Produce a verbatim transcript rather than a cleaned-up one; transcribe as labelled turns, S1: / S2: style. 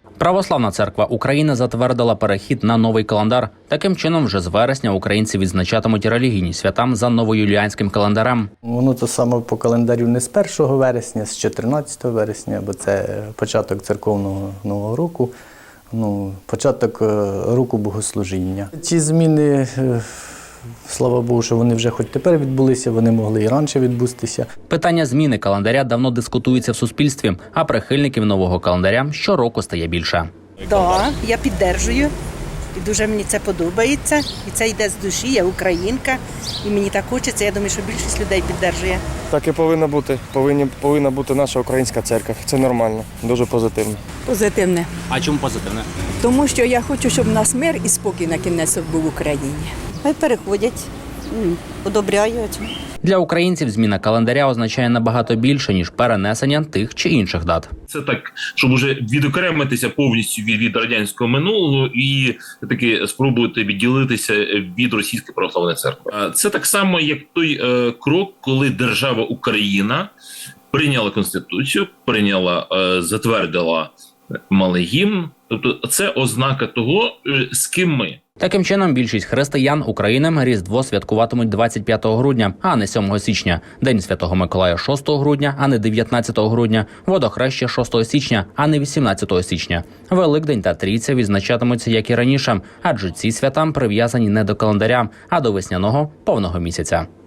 S1: Православна церква України затвердила перехід на новий календар. Таким чином, вже з вересня українці відзначатимуть релігійні свята за новоюліанським календарем.
S2: Воно то саме по календарю не з першого вересня, з чотирнадцятого вересня, бо це початок церковного нового року, ну, початок року богослужіння. Ці зміни, слава Богу, що вони вже хоч тепер відбулися, вони могли і раніше відбутися.
S1: Питання зміни календаря давно дискутується в суспільстві, а прихильників нового календаря щороку стає більше.
S3: Так, я підтримую. І дуже мені це подобається. І це йде з душі, я українка. І мені так хочеться, я думаю, що більшість людей підтримує.
S4: Так і повинно бути. Повинні, повинна бути наша українська церква. Це нормально, дуже позитивно.
S5: Позитивне.
S1: А чому позитивне?
S5: Тому що я хочу, щоб у нас мир і спокій на кінець був в Україні.
S6: Хай переходять, одобряють.
S1: Для українців зміна календаря означає набагато більше, ніж перенесення тих чи інших дат.
S7: Це так, щоб уже відокремитися повністю від, від радянського минулого і таки спробувати відділитися від Російської православної церкви. Це так само, як той е, крок, коли держава Україна прийняла Конституцію, прийняла, е, затвердила малий гімн. Тобто це ознака того, е, з ким ми.
S1: Таким чином, більшість християн України Різдво святкуватимуть двадцять п'ятого грудня, а не сьомого січня. День Святого Миколая шостого грудня, а не дев'ятнадцятого грудня. Водохреща шостого січня, а не вісімнадцятого січня. Великдень та Трійця відзначатимуться, як і раніше, адже ці свята прив'язані не до календаря, а до весняного повного місяця.